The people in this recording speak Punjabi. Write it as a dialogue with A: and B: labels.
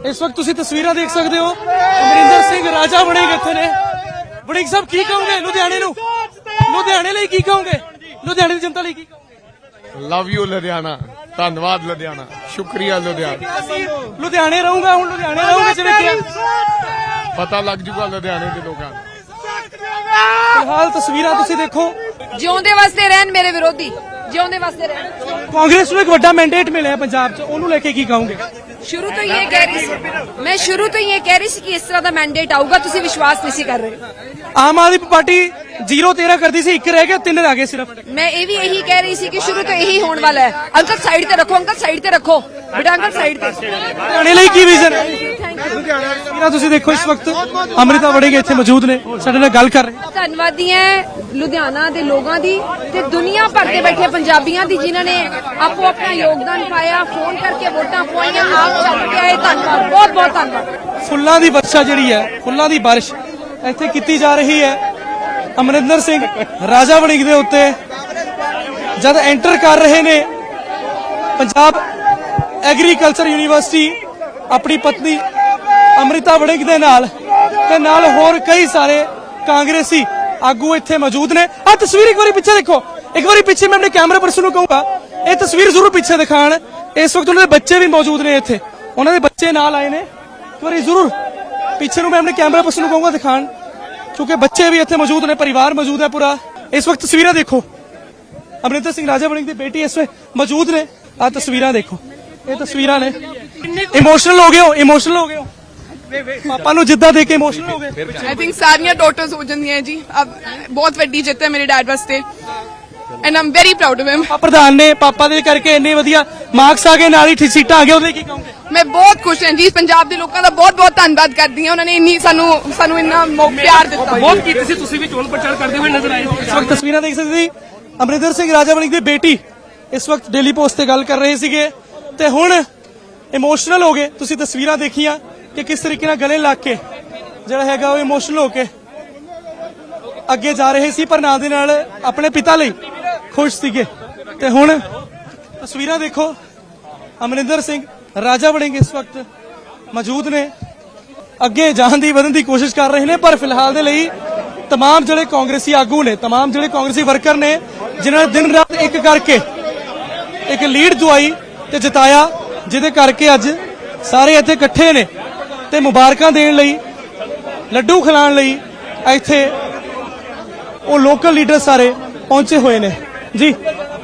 A: इस वक्त तुसी तस्वीरां देख सकते हो अमरिंदर सिंह राजा वड़िंग इत्थे ने। वड़िंग साहब की कहोगे लुधियाने नूं, लुधियाने लई की कहोगे, लुधियाने दी जनता लई की कहोगे?
B: लव यू लुधियाना, धन्यवाद लुधियाना, शुक्रिया लुधियाना।
A: लुधियाने रहूंगा हुण लुधियाने रहूंगा जिवें
B: पता लग जूगा लुधियाने के लोगों को।
A: फिलहाल तस्वीरां तुसी देखो
C: ਜਿਉਂਦੇ ਵਾਸਤੇ ਰਹਿਣ ਮੇਰੇ ਵਿਰੋਧੀ, ਜਿਉਂਦੇ ਵਾਸਤੇ ਰਹਿਣ।
A: कांग्रेस ਨੂੰ ਇੱਕ ਵੱਡਾ ਮੈਂਡੇਟ ਮਿਲਿਆ ਪੰਜਾਬ 'ਚ, ਉਹਨੂੰ ਲੈ ਕੇ ਕੀ ਕਹੋਗੇ?
C: ਸ਼ੁਰੂ ਤੋਂ ਇਹ ਕਹਿ ਰਹੀ ਸੀ, ਮੈਂ ਸ਼ੁਰੂ ਤੋਂ ਇਹ ਕਹਿ ਰਹੀ ਸੀ ਕਿ ਇਸ ਤਰ੍ਹਾਂ ਦਾ ਮੈਂਡੇਟ ਆਊਗਾ, ਤੁਸੀਂ ਵਿਸ਼ਵਾਸ ਨਹੀਂ ਸੀ ਕਰ ਰਹੇ।
A: ਆਮ ਆਦਮੀ ਪਾਰਟੀ 0-13 ਕਰਦੀ ਸੀ, 1 ਰਹਿ ਗਿਆ, 3 ਰਹਿ ਗਏ ਸਿਰਫ।
C: ਮੈਂ ਇਹ ਵੀ ਇਹੀ ਕਹਿ ਰਹੀ ਸੀ ਕਿ ਸ਼ੁਰੂ ਤੋਂ ਇਹੀ ਹੋਣ ਵਾਲਾ ਹੈ। ਅੰਕਲ ਸਾਈਡ ਤੇ ਰੱਖੋ, ਅੰਕਲ ਸਾਈਡ ਤੇ ਰੱਖੋ, ਬੇਟਾ ਅੰਕਲ ਸਾਈਡ ਤੇ।
A: ਲੁਧਿਆਣੇ ਲਈ ਕੀ ਵਿਜ਼ਨ ਹੈ? ਤਸਵੀਰਾਂ ਤੁਸੀਂ ਦੇਖੋ ਇਸ ਵਕਤ ਅੰਮ੍ਰਿਤਾ ਵੜਿੰਗ ਇੱਥੇ ਮੌਜੂਦ ਨੇ, ਸਾਡੇ ਨਾਲ ਗੱਲ ਕਰ ਰਹੇ।
C: ਧੰਨਵਾਦੀ ਹੈ ਲੁਧਿਆਣਾ ਦੇ ਲੋਕਾਂ ਦੀ ਤੇ ਦੁਨੀਆ ਭਰ ਦੇ ਬੈਠੇ ਪੰਜਾਬੀਆਂ ਦੀ ਜਿਨ੍ਹਾਂ ਨੇ ਆਪੋ ਆਪਣਾ ਯੋਗਦਾਨ ਪਾਇਆ, ਫੋਨ ਕਰਕੇ ਵੋਟਾਂ ਪਵਾਈਆਂ, ਆਪ ਚੱਲ ਕੇ ਆਏ। ਧੰਨਵਾਦ, ਬਹੁਤ ਬਹੁਤ ਧੰਨਵਾਦ।
A: ਫੁੱਲਾਂ ਦੀ ਵਰਸ਼ਾ ਜਿਹੜੀ ਹੈ, ਫੁੱਲਾਂ ਦੀ ਬਾਰਿਸ਼ ਇੱਥੇ ਕੀਤੀ ਜਾ ਰਹੀ ਹੈ। ਅਮਰਿੰਦਰ ਸਿੰਘ ਰਾਜਾ ਵੜਿੰਗ ਦੇ ਉੱਤੇ ਜਦ ਐਂਟਰ ਕਰ ਰਹੇ ਨੇ ਪੰਜਾਬ ਐਗਰੀਕਲਚਰ ਯੂਨੀਵਰਸਿਟੀ ਆਪਣੀ ਪਤਨੀ ਅੰਮ੍ਰਿਤਾ ਵੜਿੰਗ ਦੇ ਨਾਲ ਤੇ ਨਾਲ ਹੋਰ ਕਈ ਸਾਰੇ ਕਾਂਗਰਸੀ ਆਗੂ ਇੱਥੇ ਮੌਜੂਦ ਨੇ। ਆ ਤਸਵੀਰ ਇੱਕ ਵਾਰੀ ਪਿੱਛੇ ਦੇਖੋ, ਇੱਕ ਵਾਰੀ ਪਿੱਛੇ ਮੈਂ ਆਪਣੇ ਕੈਮਰਾ ਪਰਸਨ ਨੂੰ ਕਹੂੰਗਾ ਇਹ ਤਸਵੀਰ ਜ਼ਰੂਰ ਪਿੱਛੇ ਦਿਖਾਣ। ਇਸ ਵਕਤ ਉਹਨਾਂ ਦੇ ਬੱਚੇ ਵੀ ਮੌਜੂਦ ਨੇ ਇੱਥੇ, ਉਹਨਾਂ ਦੇ ਬੱਚੇ ਨਾਲ ਆਏ ਨੇ। ਇੱਕ ਵਾਰੀ ਜ਼ਰੂਰ ਪਿੱਛੇ ਨੂੰ ਮੈਂ ਆਪਣੇ ਕੈਮਰਾ ਪਰਸਨ ਨੂੰ ਕਹੂੰਗਾ ਦਿਖਾਣ, ਕਿਉਂਕਿ ਬੱਚੇ ਵੀ ਇੱਥੇ ਮੌਜੂਦ ਨੇ, ਪਰਿਵਾਰ ਮੌਜੂਦ ਹੈ ਪੂਰਾ। ਇਸ ਵਕਤ ਤਸਵੀਰਾਂ ਦੇਖੋ, ਅਮਰਿੰਦਰ ਸਿੰਘ ਰਾਜਾ ਵੜਿੰਗ ਦੀ ਬੇਟੀ ਇਸ ਵੇ ਮੌਜੂਦ ਨੇ। ਆ ਤਸਵੀਰਾਂ ਦੇਖੋ, ਇਹ ਤਸਵੀਰਾਂ ਨੇ। ਇਮੋਸ਼ਨਲ ਹੋ ਗਏ ਹੋ, ਇਮੋਸ਼ਨਲ ਹੋ ਗਏ ਹੋ, ਪਾਪਾ ਨੂੰ ਜਿੱਦਾਂ ਦੇਖ ਕੇ ਇਮੋਸ਼ਨਲ ਹੋ ਗਏ।
D: आई थिंक सारियां डॉटर्स हो जांदियां जी। अब बहुत वड्डी जिੱਤ है मेरे डैड वास्ते and I am very proud of him.
A: ਪ੍ਰਧਾਨ ਨੇ ਪਾਪਾ ਦੇ ਕਰਕੇ ਇੰਨੇ ਵਧੀਆ ਮਾਰਕਸ ਆ ਗਏ, ਨਾਲ ਹੀ ਸੀਟਾਂ ਆ ਗਏ, ਉਹਦੇ ਕੀ ਕਹੋਗੇ?
D: मैं बहुत खुश ਹਾਂ ਜੀ। ਪੰਜਾਬ ਦੇ ਲੋਕਾਂ ਦਾ ਬਹੁਤ ਬਹੁਤ ਧੰਨਵਾਦ ਕਰਦੀ ਹਾਂ, ਉਹਨਾਂ ਨੇ ਇੰਨੀ ਸਾਨੂੰ ਇੰਨਾ ਪਿਆਰ ਦਿੱਤਾ।
A: ਬਹੁਤ ਕੀਤੀ ਸੀ, ਤੁਸੀਂ ਵੀ ਚੋਣ ਪ੍ਰਚਾਰ ਕਰਦੇ ਹੋਏ ਨਜ਼ਰ ਆਏ। ਇਸ ਵਕਤ ਤਸਵੀਰਾਂ ਦੇਖ ਸਕਦੇ ਸੀ ਅਮਰਿੰਦਰ ਸਿੰਘ ਰਾਜਾ ਵੜਿੰਗ ਦੀ ਬੇਟੀ ਇਸ ਵਕਤ ਡੇਲੀ ਪੋਸਟ ਤੇ ਗੱਲ ਕਰ ਰਹੇ ਸੀਗੇ ਤੇ ਹੁਣ ਇਮੋਸ਼ਨਲ ਹੋ ਗਏ। ਤੁਸੀਂ ਤਸਵੀਰਾਂ ਦੇਖੀਆਂ ਕਿ ਕਿਸ ਤਰੀਕੇ ਨਾਲ ਗਲੇ ਲੱਗ ਕੇ ਜਿਹੜਾ ਹੈਗਾ ਉਹ ਇਮੋਸ਼ਨਲ ਹੋ ਕੇ ਅੱਗੇ ਜਾ ਰਹੇ ਸੀ, ਪਰ ਨਾਲ ਦੇ ਨਾਲ ਆਪਣੇ ਪਿਤਾ ਲਈ ਖੁਸ਼ ਸੀਗੇ। ਤੇ ਹੁਣ ਤਸਵੀਰਾਂ ਦੇਖੋ, ਅਮਰਿੰਦਰ ਸਿੰਘ ਰਾਜਾ ਵੜਿੰਗ ਇਸ ਵਕਤ ਮੌਜੂਦ ਨੇ, ਅੱਗੇ ਜਾਣ ਦੀ ਵਧਣ ਦੀ ਕੋਸ਼ਿਸ਼ ਕਰ ਰਹੇ ਨੇ। ਪਰ ਫਿਲਹਾਲ ਦੇ ਲਈ तमाम ਜਿਹੜੇ ਕਾਂਗਰਸੀ ਆਗੂ ਨੇ, तमाम ਜਿਹੜੇ ਕਾਂਗਰਸੀ ਵਰਕਰ ਨੇ, ਜਿਨ੍ਹਾਂ ਨੇ ਦਿਨ ਰਾਤ ਇੱਕ ਕਰਕੇ ਇੱਕ ਲੀਡ ਦਵਾਈ ਤੇ ਜਿਤਾਇਆ, ਜਿਹਦੇ ਕਰਕੇ ਅੱਜ ਸਾਰੇ ਇੱਥੇ ਇਕੱਠੇ ਨੇ ਤੇ ਮੁਬਾਰਕਾਂ ਦੇਣ ਲਈ, ਲੱਡੂ ਖਿਲਾਉਣ ਲਈ ਇੱਥੇ ਉਹ ਲੋਕਲ ਲੀਡਰ ਸਾਰੇ ਪਹੁੰਚੇ ਹੋਏ ਨੇ ਜੀ।